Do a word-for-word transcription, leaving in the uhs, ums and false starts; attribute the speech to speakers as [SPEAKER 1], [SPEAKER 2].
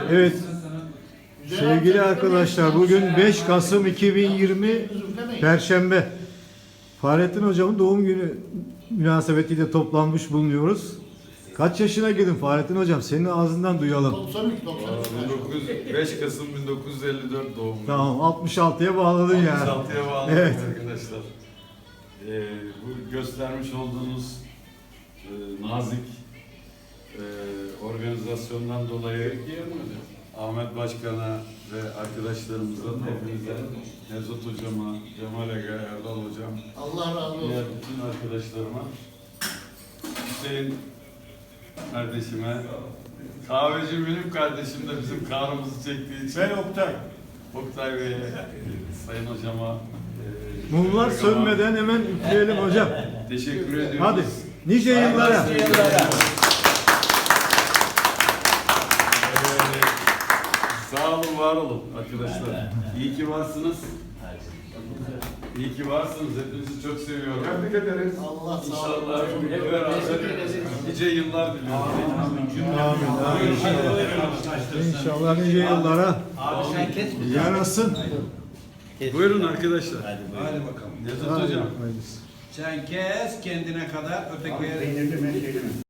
[SPEAKER 1] Evet. Sevgili arkadaşlar, bugün beş Kasım iki bin yirmi Perşembe. Fahrettin Hocam'ın doğum günü münasebetiyle toplanmış bulunuyoruz. Kaç yaşına girdin Fahrettin Hocam? Senin ağzından duyalım.
[SPEAKER 2] doksan üç doksan üç.
[SPEAKER 3] beş Kasım bin dokuz yüz elli dört doğumlu.
[SPEAKER 1] Tamam, altmış altıya bağladın ya.
[SPEAKER 3] altmış altıya bağladık
[SPEAKER 1] Evet.
[SPEAKER 3] arkadaşlar. Ee, bu göstermiş olduğunuz e, nazik e, organizasyondan dolayı Ahmet Başkan'a ve arkadaşlarımıza, hepinize, Nevzat Hocama, Cemal Ege, Erdal Hocam,
[SPEAKER 2] Allah razı
[SPEAKER 3] diğer
[SPEAKER 2] olsun.
[SPEAKER 3] bütün arkadaşlarıma, Hüseyin kardeşime, kahveci Münif kardeşim de bizim kahrımızı çektiği için.
[SPEAKER 2] Ben Oktay.
[SPEAKER 3] Oktay Bey'e, Sayın Hocama, e,
[SPEAKER 1] Mumlar
[SPEAKER 3] Şefik
[SPEAKER 1] sönmeden hemen üfleyelim hocam.
[SPEAKER 3] Ama teşekkür ediyoruz.
[SPEAKER 1] Hadi, nice yıllara.
[SPEAKER 3] Ee, sağ olun, var olun arkadaşlar. İyi ki varsınız. İyi ki varsınız. Hepinizi çok seviyorum.
[SPEAKER 2] Tebrik ederiz. Allah sağ olsun.
[SPEAKER 3] İnşallah hep beraber nice yıllar diliyorum.
[SPEAKER 1] Amin, amin. İnşallah. İnşallah nice yıllara yarasın.
[SPEAKER 3] Buyurun arkadaşlar.
[SPEAKER 4] Hadi bakalım.
[SPEAKER 3] Nevzat
[SPEAKER 1] Hadi,
[SPEAKER 3] Hocam.
[SPEAKER 1] hayırlısı.
[SPEAKER 4] Sen kes kendine kadar ötekiye...